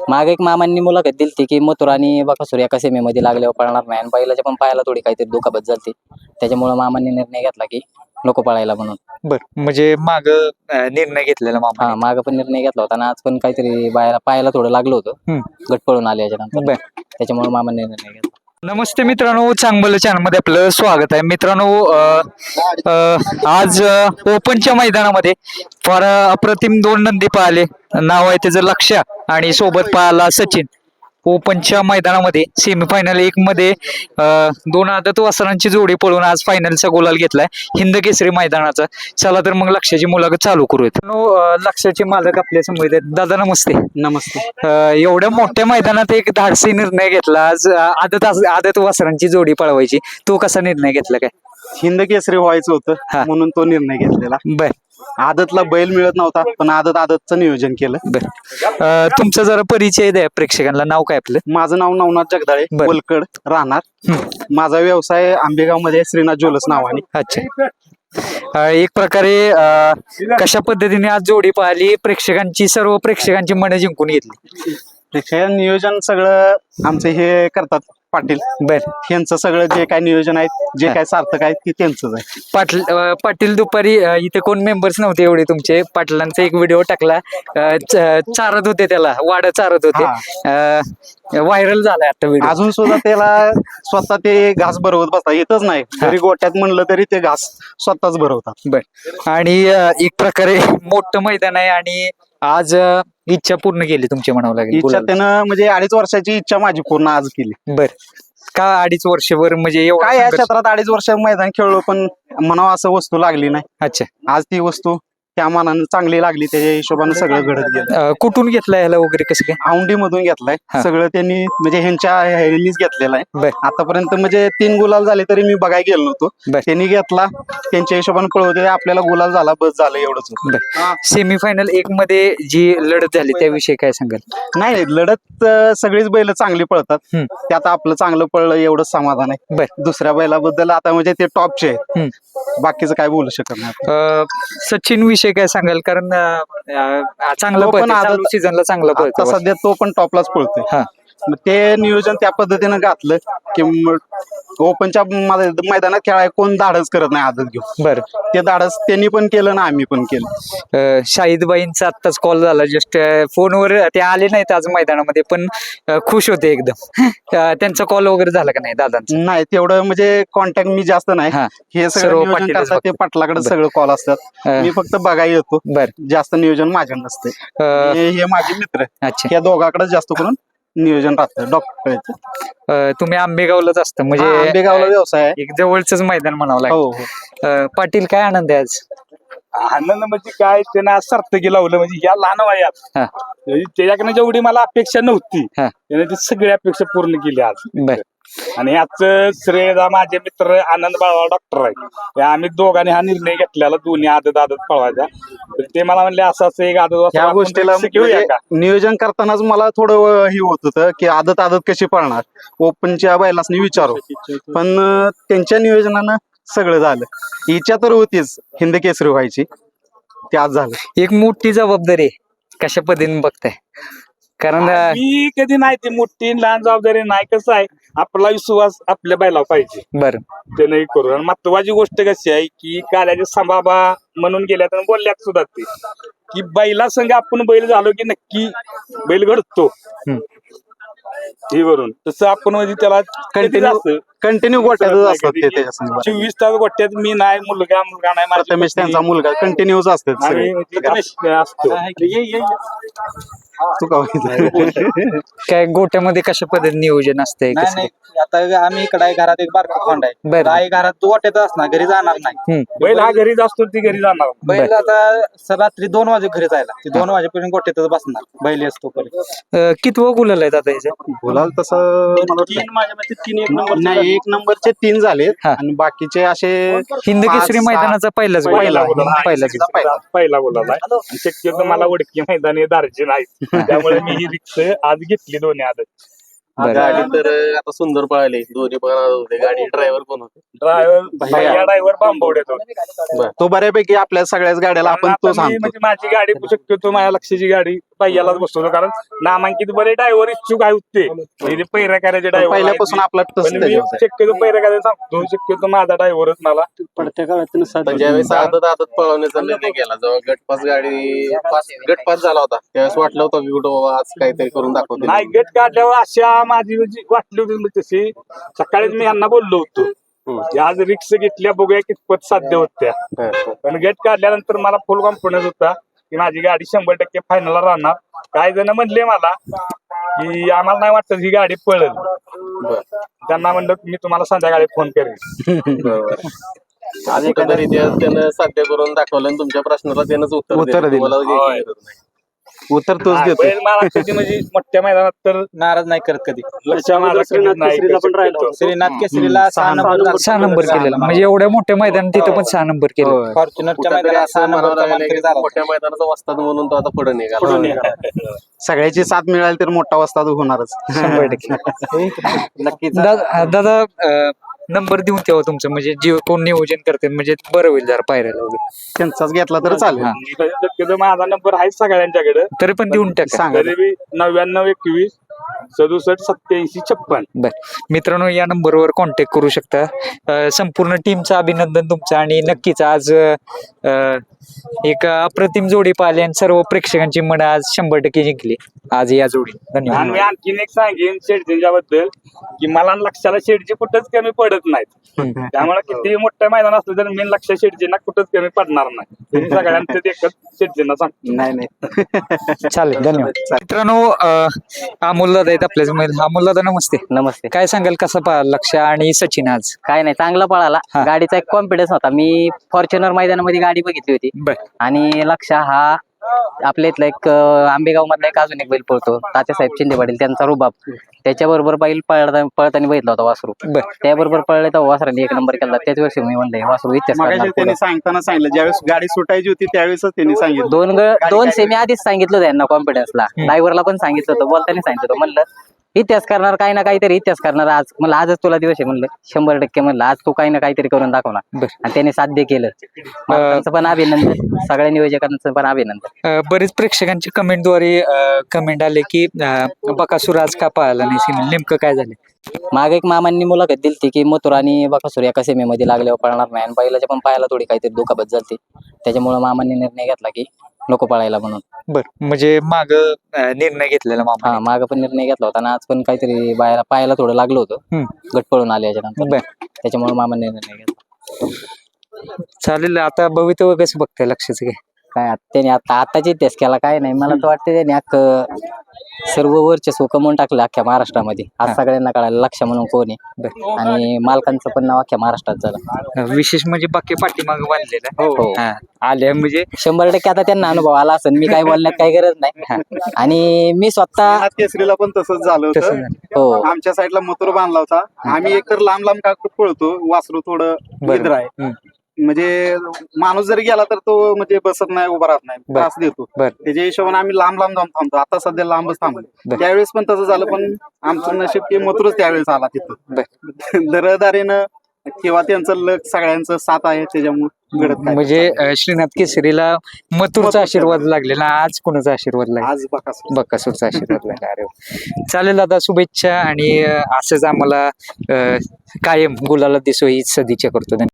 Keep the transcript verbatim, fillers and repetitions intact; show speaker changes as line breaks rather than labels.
मागे एक मामांनी मुलाखत दिली की मथुर आणि बकासूर एका सेमीमध्ये लागल्यावर पळणार नाही आणि बैलाच्या पण पायाला थोडी काहीतरी दुखापत झाली त्याच्यामुळे मामांनी निर्णय घेतला की नको पळायला म्हणून.
बर म्हणजे माग निर्णय घेतलेला मामा.
हा माग पण निर्णय घेतला होता आणि आज पण काहीतरी बायला पायाला थोडं लागलं होतं गट पळून आले याच्यानंतर त्याच्यामुळे मामांनी निर्णय घेतला.
नमस्ते मित्रांनो, चांगलं चॅनल मध्ये आपलं स्वागत आहे. मित्रांनो आज ओपनच्या मैदानामध्ये फार अप्रतिम दोन नंदी पाहिले. नाव आहे त्याचं लक्ष आणि सोबत पाहिला सचिन. ओपनच्या मैदानामध्ये सेमीफायनल एक मध्ये दोन आदत वासरांची जोडी पळून आज फायनलचा गोलाल घेतलाय हिंद केसरी मैदानाचा. चला तर मग लक्षाची मुलाखत चालू करूयात. लक्षाचे मालक आपल्या समोर आहेत. दादा नमस्ते.
नमस्ते.
एवढ्या मोठ्या मैदानात एक धाडसी निर्णय घेतला आज आदत आदत वासरांची जोडी पळवायची. तो कसा निर्णय घेतला काय?
हिंद केसरी व्हायचं होतं म्हणून तो निर्णय घेतलेला.
बर.
आदतला बैल मिळत नव्हता पण आदत आदतचं नियोजन केलं.
बर. तुमचा जरा परिचय द्या प्रेक्षकांना. नाव काय आपलं?
माझं नाव नवनाथ जगदाळे, वलकड राहणार. माझा व्यवसाय आंबेगाव मध्ये श्रीनाथ ज्वेलर्स नावाने.
अच्छा. एक प्रकारे कशा पद्धतीने आज जोडी पाहिली, प्रेक्षकांची सर्व प्रेक्षकांची मने जिंकून घेतली?
प्रेक्षक नियोजन सगळं आमचे हे करतात पाटील.
बर.
यांचं सगळं जे काय नियोजन आहे जे काय सार्थक आहे ते त्यांचंच आहे.
पाटील पाटील दुपारी इथे कोण मेंबर्स नव्हते एवढे तुमचे. पाटलांचा एक व्हिडिओ टाकला, चारत होते त्याला, वाड चारत होते, व्हायरल झालाय आता व्हिडिओ.
अजून सुद्धा त्याला स्वतः ते घास भरवत बसता येतच नाही. जरी गोट्यात म्हणलं तरी ते घास स्वतःच भरवतात.
बर. आणि एक प्रकारे मोठं मैदान आहे आणि आज इच्छा पूर्ण केली तुमची म्हणावं लागेल.
इच्छा त्यानं म्हणजे अडीच वर्षाची इच्छा माझी पूर्ण आज केली.
बर. का अडीच वर्षभर म्हणजे
काय या क्षेत्रात अडीच वर्ष मैदान खेळलो पण म्हणावं असं वस्तू लागली नाही.
अच्छा.
आज ती वस्तू त्या मानानं चांगली लागली. त्याच्या हिशोबानं सगळं घडत गेलं.
कुठून घेतलाय ह्याला वगैरे कसं काय?
औंढी मधून घेतलाय सगळं त्यांनी म्हणजे ह्यांच्या ह्यांनीच घेतलेला आहे. आतापर्यंत म्हणजे तीन गुलाल झाले तरी मी बघायला गेलो नव्हतो. त्यांनी घेतला त्यांच्या हिशोबाने पळवते आपल्याला गुलाल झाला बस झालं एवढंच.
सेमीफायनल एक मध्ये जी लढत झाली त्याविषयी काय सांगाल?
नाही लढत सगळीच बैल चांगली पळतात. त्यात आपलं चांगलं पळलं एवढंच समाधान आहे. दुसऱ्या बैलाबद्दल आता म्हणजे ते टॉपचे आहे. बाकीचं काय बोलू शकत नाही.
सचिन विषय काय सांगाल? कारण चांगलं पण सीझनला चांगलं पळतो
सध्या तो पण टॉपलाच पळतोय. ते नियोजन त्या पद्धतीनं घातलं की ओपनच्या मैदानात खेळाय कोण धाडस करत नाही आदत घेऊन.
बरं.
ते धाडस त्यांनी पण केलं ना आम्ही पण केलं.
शाहिदबाईंचा आत्ताच कॉल झाला जस्ट फोनवर. ते आले नाहीत आज मैदानामध्ये पण खुश होते एकदम. त्यांचा कॉल वगैरे झाला का नाही दादांचा?
नाही तेवढं म्हणजे कॉन्टॅक्ट मी जास्त नाही. हे सगळं नियोजन करतात ते पाटलाकडे सगळं कॉल असतात. मी फक्त बघायला येतो. जास्त नियोजन माझ्या नसते. हे माझे मित्र या दोघांकडे जास्त करून नियोजन राहतं. डॉक्टर
तुम्ही आंबेगावलाच असता म्हणजे
आंबेगावला व्यवसाय
एक जवळच मैदान म्हणावं लागेल. पाटील काय आनंद आहे आज?
आनंद म्हणजे काय त्यानं आज सार्थकी लावलं म्हणजे या लहान वयात त्याच्याकडनं जेवढी मला अपेक्षा नव्हती त्याने ती सगळी अपेक्षा पूर्ण केली आज. आणि आजचं श्रेय माझे मित्र आनंद बाळा डॉक्टर आहे. आम्ही दोघांनी हा निर्णय घेतलेला दोन्ही आदत आदत पळवायचा. ते मला म्हणले असं असं एक आदत
या गोष्टीला नियोजन करतानाच मला थोडं हे होत होतं की आदत आदत कशी पळणार ओपनच्या बैलासनी विचारू. पण त्यांच्या नियोजनानं सगळं झालं. इच्छा तर होतीच हिंद केसरी व्हायची. ते आज झालं.
एक मोठी जबाबदारी कशा पद्धतीने बघताय? कारण
मी कधी नाही ती मोठी लहान जबाबदारी नाही. कसं आहे आपला विश्वास आपल्या बैलावर पाहिजे.
बरं.
ते नाही करू. आणि महत्वाची गोष्ट कशी आहे की काल्याचे संभाबा म्हणून गेल्यात आणि बोलल्यात सुद्धा ते की बैला संघ आपण बैल झालो की नक्की बैल घडतो हे वरून. तसं आपण म्हणजे त्याला
कंटिन्यू कंटिन्यू गोट्यातच असतात ते त्याच्या
चोवीस तास गोट्यात मी नाही मुलगा मुलगा नाही
प्रथमेश त्यांचा मुलगा कंटिन्यूच असतात
असतो.
तू
काय गोट्यामध्ये कशा पद्धतीने नियोजन असतंय?
आता आम्ही इकडे घरात एक बारका खोंड आहे. आई घरात तू गोट्यात असणार घरी जाणार नाही.
बैल हा घरीच असतो ती घरी जाणार.
बैल आता रात्री दोन वाजे घरी जायला ते दोन वाजेपर्यंत गोट्यातच बसणार बैल असतो.
कितवं गुलाल आहे आता याचं?
गुलाल तसं
तीन माझ्या मते तीन एक नंबर
नाही एक नंबरचे तीन झाले आणि बाकीचे असे
हिंद केसरी मैदानाचा पहिलाच
पहिला पहिला गुलाल आहे. शक्यतो मला उडकी मैदान हे दार्जिन आहे त्यामुळे मी ही रिक्स आज घेतली दोन्ही आदत.
गाडी तर आता सुंदर पळाली दोन्ही पण होते. गाडी ड्रायव्हर पण होते.
ड्रायव्हर ड्रायव्हर बांबवड्यात होते.
तो बऱ्यापैकी आपल्या सगळ्याच गाड्याला आपण तो सांगतो.
म्हणजे माझी गाडी शक्यतो माझ्या लक्षाची गाडी पहिल्यालाच बसवतो, कारण नामांकित बरे ड्रायव्हर इच्छुक आहे होते म्हणजे पैरा करायचे ड्रायव्हर
पहिल्यापासून आपला टच
पण मी शक्यतो पैरा करायला सांगतो, शक्यतो माझा ड्रायव्हरच मला
पडत्या काळात
पण ज्यावेळेस आदत आदत पळवण्याचा निर्णय केला, जेव्हा गटपास गाडी पास गटपास झाला होता त्यावेळेस वाटलं होतं की कुठं बाबा आज काहीतरी करून दाखवतो.
नाही गट काढल्यावर अशा माझी म्हणजे वाटली होती म्हणजे तशी सकाळीच मी यांना बोललो होतो की आज रिक्स घेतल्या बघूया कितपत साध्य होत्या, पण गट काढल्यानंतर मला फुल कॉन्फिडन्स होता की माझी गाडी शंभर टक्के फायनलला राहणार. काही जण म्हणले मला की आम्हाला नाही वाटत ही गाडी पळेल, त्यांना म्हणलं मी तुम्हाला संध्याकाळी फोन करेन.
आज कुठेतरी त्यानं साध्य करून दाखवलं आणि तुमच्या प्रश्नाला त्यानंच उत्तर
उत्तर दिलं.
तुम्हाला काही गरज नाही.
उत्तर तोच देतो.
बैल मला कधी म्हणजे मोठ्या मैदानात तर
नाराज नाही करत कधी.
लक्ष माझं कधी नाही करत.
श्रीनाथ केसरीला सहा नंबर झाला.
सहा नंबर केलेला म्हणजे एवढ्या मोठ्या मैदानात तिथं पण सहा नंबर केलं.
फॉर्च्युनरच्या
कुठेतरी
मैदानात सहा
असं म्हणावं
नंबरचा
लागलं
मानकरी
की
झाला.
मोठ्या मैदानाचा वस्ताद म्हणून तो आता पुढे निघाला.
पुढे निघाला.
सगळ्याची साथ मिळाली तर मोठा वस्ताद होणारच.
शंभर टक्के.
नक्कीच.
दा- दादा अं, नंबर देऊन ठेवा तुमचं, म्हणजे जे कोण नियोजन करते म्हणजे बरं होईल जरा पायऱ्याला वगैरे.
त्यांचाच घेतला तर चालेल.
शक्यतो माझा नंबर आहे सगळ्यांच्याकडे,
तरी पण देऊन टाका.
सांगा.
तरी बी नव्याण्णव एकवीस सदुसष्ट सत्याऐंशी छप्पन.
बर मित्रांनो, या नंबरवर कॉन्टॅक्ट करू शकता. अं, संपूर्ण टीमचं अभिनंदन तुमचं, आणि नक्कीच आज अं, एक अप्रतिम जोडी पाहिली आणि सर्व प्रेक्षकांची मन आज शंभर टक्के जिंकली आज या जोडी.
आणि
धन्यवाद.
मी आणखीन एक सांगेन शेडजींच्या बद्दल की मला आणि लक्षाला शेडजी कुठंच कमी पडत नाहीत. त्यामुळे किती मोठं मैदान असलं तर मी लक्ष शेडजींना कुठंच कमी पडणार नाही. तुम्ही सगळ्यांचं एकच शेडजींना सांगतो.
नाही नाही
चालेल, धन्यवाद. मित्रांनो, अं, अमोल दादा आहेत आपल्याच. अमोल दादा नमस्ते.
नमस्ते.
काय सांगाल, कसा पाहिला लक्ष आणि सचिन आज?
काय नाही, चांगला पळाला.
हा.
गाडीचा एक कॉन्फिडन्स होता. मी फॉर्च्युनर मैदानामध्ये गाडी बघितली होती
बर
आणि लक्ष हा आपल्या इथला एक अं, आंबेगाव मधला एक अजून एक बैल पळतो, तात्यासाहेब शिंदे पाटील, त्यांचा रुबाब. त्याच्याबरोबर बैल पळता पळताना बघितला होता वासरू.
बर
त्याबरोबर पळले तर वासराने एक नंबर केला. त्याच वर्षी मी म्हणले वासरू इतिहास
मगाशी
करणार
त्यांनी
पुढं.
सांगताना सांगितलं ज्यावेळेस गाडी सुटायची होती त्यावेळेसच त्यांनी सांगितलं.
दोन ग- दोन सेमी आधीच सांगितलं होतं यांना कॉन्फिडन्सला. ड्रायव्हरला पण सांगितलं होतं, बोलताना सांगितलं होतं. म्हणलं इतिहास करणार, काही ना काहीतरी इतिहास करणार. आज म्हणलं आजच तुला दिवस आहे, म्हणलं शंभर टक्के म्हणलं आज तू काही ना काहीतरी करून दाखवणार.
बर.
आणि त्याने साध्य केलं. मालकांचं पण अभिनंदन, सगळ्या नियोजकांचं पण अभिनंदन.
अं, बरेच प्रेक्षकांची कमेंटद्वारे कमेंट आले की अं, बकासूर आज का पाहिला नाही सिनेमा, नेमकं काय झालं?
मागे एक मामांनी मुलाखत दिली की मथुर आणि बकासूर एका सेमीमध्ये लागल्यावर पळणार नाही, आणि बैलाच्या पण पायाला थोडी काहीतरी दुखापत झाली. त्याच्यामुळे मामांनी निर्णय घेतला की नको पळायला म्हणून.
बर, म्हणजे माग निर्णय घेतलेला मामा.
हा, माग पण निर्णय घेतला होता आणि आज पण काहीतरी बायला पायाला थोडं लागलं होतं.
हम्म.
गट पळून आले याच्यानंतर,
बर,
त्याच्यामुळे मामांनी निर्णय घेतला.
चालेल. आता भवितव्य कसं बघताय लक्षाचं काय?
काय आत- त्याने आता आताची इतिहास केला काय नाही. मला तर वाटतं त्याने अख्खं सर्व वर्चस्व कमवून टाकलं अख्ख्या महाराष्ट्रामध्ये. आज सगळ्यांना कळालं लक्ष म्हणून कोण आहे, आणि मालकांचं पण नाव अख्ख्या महाराष्ट्रात झालं.
अं, विशेष म्हणजे बाकी पाठीमाग बांधलेला
हो.
हा, आल्या म्हणजे
शंभर टक्के आता त्यांना अनुभव आला असेल. मी काय बोलण्यात काही गरज नाही. आणि मी स्वतः
श्रीनाथ केसरीला पण तसंच झालं
तसं
होतं.
झालं.
हो
आमच्या साईडला मथुर बांधला होता. आम्ही एकतर लांब लांब का पळतो, वासरू थोडं निद्र आहे.
हम्म.
म्हणजे माणूस जरी गेला तर तो म्हणजे बसत नाही, उभा राहत नाही,
बर.
त्रास देतो.
बर.
त्याच्या हिशोबाने आम्ही लांब लांब जाऊन थांबतो. आता सध्या लांबच
बर.
थांबलो. त्यावेळेस पण तसं झालं, पण आमचं नशीब की मथुरच त्यावेळेस आला तिथं. दरदारीनं किंवा त्यांचं लक सगळ्यांचं साथ आहे, त्याच्यामुळे घडत काय
म्हणजे अं, श्रीनाथ केसरीला मथुरचा आशीर्वाद लागलेला, आज कोणाचा आशीर्वाद लागला?
आज बघा
बकासूरचा आशीर्वाद लागला. अरे वा. चालेल दादा, शुभेच्छा, आणि अं, असंच आम्हाला अं, कायम गुलाला दिसो हीच सदिच्छा करतो.